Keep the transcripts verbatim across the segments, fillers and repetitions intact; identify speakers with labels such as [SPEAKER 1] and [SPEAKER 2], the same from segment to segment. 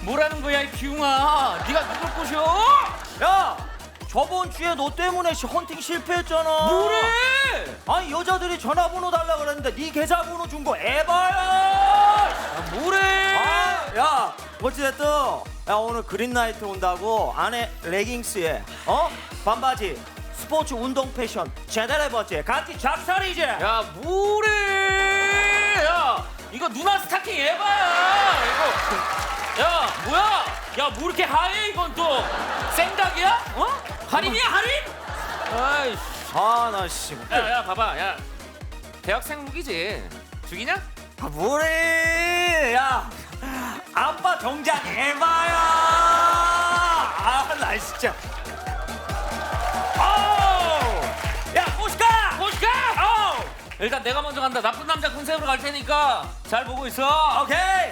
[SPEAKER 1] 뭐라는 거야 이 기웅아. 네가 누굴 꼬셔?
[SPEAKER 2] 야, 저번 주에 너 때문에 시- 헌팅 실패했잖아.
[SPEAKER 1] 뭐래?
[SPEAKER 2] 아니 여자들이 전화번호 달라 그랬는데 네 계좌번호 준 거 에바야.
[SPEAKER 1] 아, 뭐래?
[SPEAKER 2] 아, 야, 어찌됐든 야 오늘 그린라이트 온다고 안에 레깅스에 어 반바지 스포츠 운동 패션 제대로 해봤지. 같이 작살이지.
[SPEAKER 1] 야 뭐래? 야 이거 누나 스타킹 에바야. 이거 야 뭐야? 야 뭐 이렇게 하얘 이건 또 생닭이야? 어? 할인이야 할인? 아이씨.
[SPEAKER 2] 아나 씨.
[SPEAKER 1] 야야 봐봐 야 대학생 무기지 죽이냐?
[SPEAKER 2] 아, 뭐래? 야, 아빠 정장 에바야. 아, 나 진짜. 아우, 야, 오시카.
[SPEAKER 1] 오시카! 어! 일단 내가 먼저 간다. 나쁜 남자 군생으로 갈 테니까 잘 보고 있어.
[SPEAKER 2] 오케이.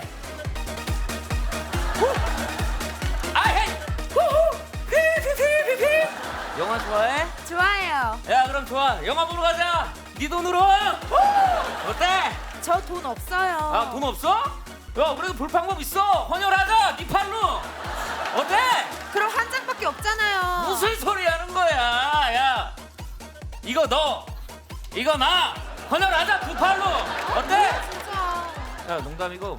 [SPEAKER 1] 아헤이! 후후! 피피피피피! 영화 좋아해?
[SPEAKER 3] 좋아요.
[SPEAKER 1] 야 그럼 좋아. 영화 보러 가자. 네 돈으로. 어때?
[SPEAKER 3] 저 돈 없어요.
[SPEAKER 1] 아 돈 없어? 야 그래도 볼 방법 있어. 헌혈하자. 네 팔로. 어때?
[SPEAKER 3] 그럼 한 장밖에 없잖아요.
[SPEAKER 1] 무슨 소리 하는 거야? 야 이거 너 이거 나 헌혈하자 두 팔로. 어때?
[SPEAKER 3] 진짜.
[SPEAKER 1] 야 농담이고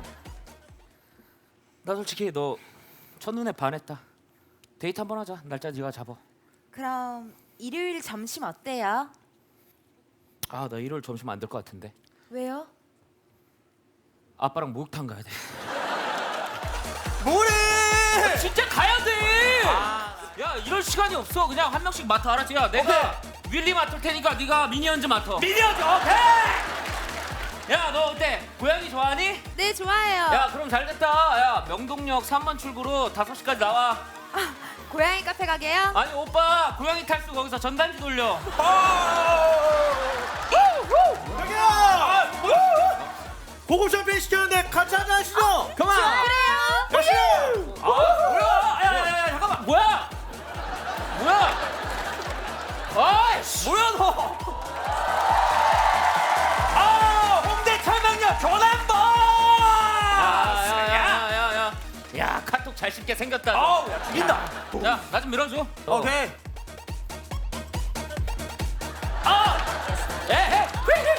[SPEAKER 1] 나 솔직히 너 첫눈에 반했다. 데이트 한번 하자. 날짜 네가 잡아.
[SPEAKER 3] 그럼 일요일 점심 어때요?
[SPEAKER 1] 아 나 일요일 점심 안 될 것 같은데.
[SPEAKER 3] 왜요?
[SPEAKER 1] 아빠랑 목욕탕 가야 돼.
[SPEAKER 2] 뭐래?
[SPEAKER 1] 진짜 가야 돼.
[SPEAKER 2] 아.
[SPEAKER 1] 야 이럴 시간이 없어. 그냥 한 명씩 맡아. 알았지? 야 내가 윌리 맡을 테니까 네가 미니언즈 맡아.
[SPEAKER 2] 미니언즈 오케이.
[SPEAKER 1] 야 너 어때? 고양이 좋아하니?
[SPEAKER 3] 네, 좋아요.
[SPEAKER 1] 야 그럼 잘 됐다. 야 명동역 삼 번 출구로 다섯 시까지 나와.
[SPEAKER 3] 아, 고양이 카페 가게요?
[SPEAKER 1] 아니 오빠 고양이 탈수 거기서 전단지 돌려.
[SPEAKER 2] 여기야. 고급 샴페인 시켰는데 같이 한잔 하시죠. 그만.
[SPEAKER 3] 그래요?
[SPEAKER 2] 가시죠.
[SPEAKER 1] 아 뭐야? 야야야 잠깐만 뭐야? 뭐야? 아이씨
[SPEAKER 2] 뭐야 너? 아, 홍대 철망역 교남번.
[SPEAKER 1] 야야야야야 야 카톡 잘 씹게 생겼다.
[SPEAKER 2] 아우, 야 죽인다.
[SPEAKER 1] 야나 좀 밀어줘. 어.
[SPEAKER 2] 오케이.
[SPEAKER 1] 아! 에헤!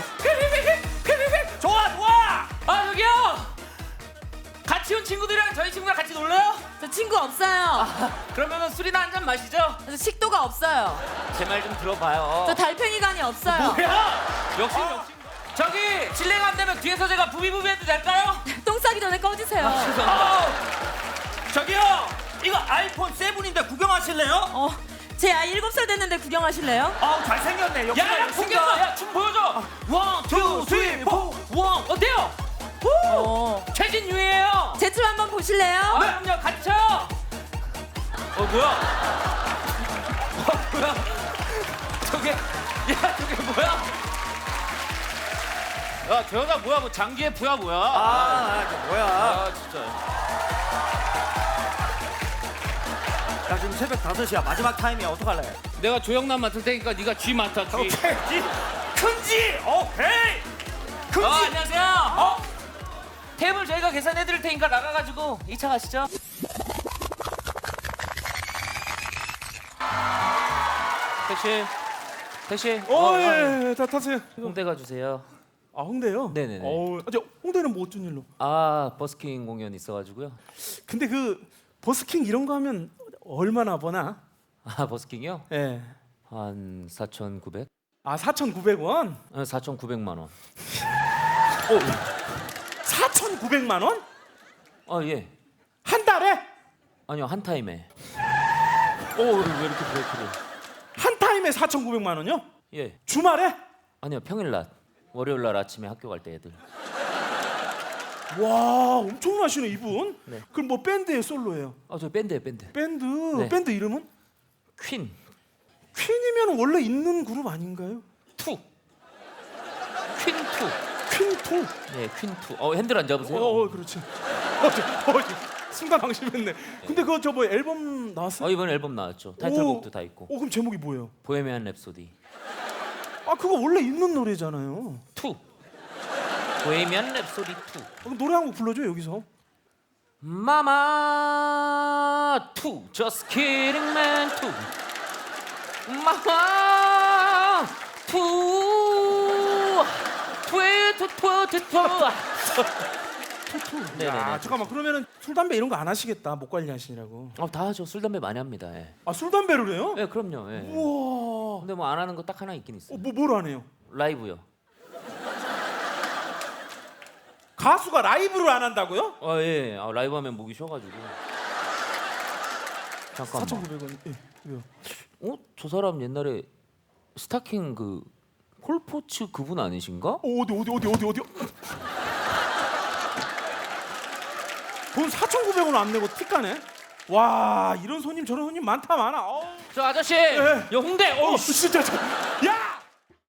[SPEAKER 2] 좋아 좋아.
[SPEAKER 1] 아 저기요! 같이 온 친구들이랑 저희 친구랑 같이 놀래요?
[SPEAKER 3] 저 친구 없어요.
[SPEAKER 1] 아, 그러면은 술이나 한 잔 마시죠?
[SPEAKER 3] 저 식도가 없어요.
[SPEAKER 1] 제 말 좀 들어봐요.
[SPEAKER 3] 저 달팽이관이 없어요.
[SPEAKER 1] 뭐야? 역시 역시. 저기 실례가 안 되면 뒤에서 제가 부비부비 해도 될까요?
[SPEAKER 3] 똥 싸기 전에 꺼주세요.
[SPEAKER 1] 아, 죄송합니다.
[SPEAKER 2] 아우, 저기요. 이거 아이폰 세븐인데 구경하실래요?
[SPEAKER 3] 어, 제 아이 일곱 살 됐는데 구경하실래요?
[SPEAKER 2] 아우 잘생겼네. 역시
[SPEAKER 1] 야, 야, 풍겼어. 야, 춤 보여줘. 원, 투, 쓰리, 포. 원, 어때요? 후!
[SPEAKER 3] 어.
[SPEAKER 1] 최진유예요.
[SPEAKER 3] 제 춤 한번 보실래요?
[SPEAKER 1] 아, 그럼요. 같이 쳐. 어, 뭐야? 어, 뭐야? 저게, 야, 저게 뭐야? 야, 저 여자 뭐야? 뭐 장기의 부야 뭐야?
[SPEAKER 2] 아, 아, 저 뭐야?
[SPEAKER 1] 아, 진짜.
[SPEAKER 2] 야 지금 새벽 다섯 시야. 마지막 타임이야. 어떡할래?
[SPEAKER 1] 내가 조영남 맡을 테니까 네가 쥐 맡아, 쥐.
[SPEAKER 2] 오케이. 큰지. 오케이. 큰지.
[SPEAKER 1] 어, 안녕하세요. 어? 테이블 저희가 계산해 드릴 테니까 나가가지고 이 차 가시죠. 택시, 택시.
[SPEAKER 4] 어, 예, 예, 다 타세요.
[SPEAKER 1] 홍대 가주세요.
[SPEAKER 4] 아, 홍대요?
[SPEAKER 1] 네네네.
[SPEAKER 4] 어, 아, 저 홍대는 뭐 어쩐 일로?
[SPEAKER 1] 아, 버스킹 공연 있어가지고요.
[SPEAKER 4] 근데 그 버스킹 이런 거 하면 얼마나 버나?
[SPEAKER 1] 아, 버스킹이요?
[SPEAKER 4] 예.
[SPEAKER 1] 한 사천구백?
[SPEAKER 4] 아, 사천구백 원?
[SPEAKER 1] 아, 사천구백만 원.
[SPEAKER 4] 어, 사천구백만 원?
[SPEAKER 1] 아, 예.
[SPEAKER 4] 한 달에?
[SPEAKER 1] 아니요, 한 타임에. 오, 왜 이렇게 브레이크를?
[SPEAKER 4] 한 타임에 사천구백만 원이요?
[SPEAKER 1] 예.
[SPEAKER 4] 주말에?
[SPEAKER 1] 아니요, 평일날. 월요일날 아침에 학교 갈 때 애들.
[SPEAKER 4] 와, 엄청나시네 이분.
[SPEAKER 1] 네.
[SPEAKER 4] 그럼 뭐 밴드예요, 솔로예요?
[SPEAKER 1] 아, 저 밴드예요, 밴드.
[SPEAKER 4] 밴드.
[SPEAKER 1] 네.
[SPEAKER 4] 밴드 이름은?
[SPEAKER 1] 퀸.
[SPEAKER 4] 퀸이면 원래 있는 그룹 아닌가요?
[SPEAKER 1] 투. 퀸 투.
[SPEAKER 4] 퀸 투.
[SPEAKER 1] 네, 퀸 투. 어, 핸들 안 잡으세요?
[SPEAKER 4] 어, 어, 그렇지. 어, 저, 어, 저, 순간 방심했네. 근데 그거 저 뭐 앨범 나왔어요?
[SPEAKER 1] 어, 이번 앨범 나왔죠. 타이틀곡도 다 있고.
[SPEAKER 4] 오, 그럼 제목이 뭐예요?
[SPEAKER 1] 보헤미안 랩소디.
[SPEAKER 4] 아, 그거 원래 있는 노래잖아요.
[SPEAKER 1] 투. 보헤미안 랩소디 투.
[SPEAKER 4] 어, 그럼 노래 한 곡 불러줘 여기서.
[SPEAKER 1] 마마 투 just kidding man 투 마마 투 트웨투 트웨투 투
[SPEAKER 4] 야,
[SPEAKER 1] 네네네.
[SPEAKER 4] 잠깐만 그러면은 술 담배 이런 거 안 하시겠다. 목 관리하시느라고.
[SPEAKER 1] 어, 다 하죠. 술 담배 많이 합니다. 예.
[SPEAKER 4] 아, 술 담배를 해요?
[SPEAKER 1] 예, 그럼요. 예.
[SPEAKER 4] 우와.
[SPEAKER 1] 근데 뭐 안 하는 거 딱 하나 있긴 있어요.
[SPEAKER 4] 어, 뭐 뭘 안 해요?
[SPEAKER 1] 라이브요.
[SPEAKER 4] 가수가 라이브를 안 한다고요?
[SPEAKER 1] 아 예. 아, 라이브 하면 목이 쉬어가지고. 잠깐만.
[SPEAKER 4] 사천구백 원. 예. 왜요?
[SPEAKER 1] 어? 저 사람 옛날에 스타킹 그 폴포츠 그분 아니신가?
[SPEAKER 4] 어, 어디 어디 어디 어디 어디? 돈 사천구백 원 안 내고 틱 가네? 와, 이런 손님 저런 손님 많다 많아. 어우.
[SPEAKER 1] 저 아저씨,
[SPEAKER 4] 예.
[SPEAKER 1] 여 홍대. 어,
[SPEAKER 4] 어, 진짜 저. 야!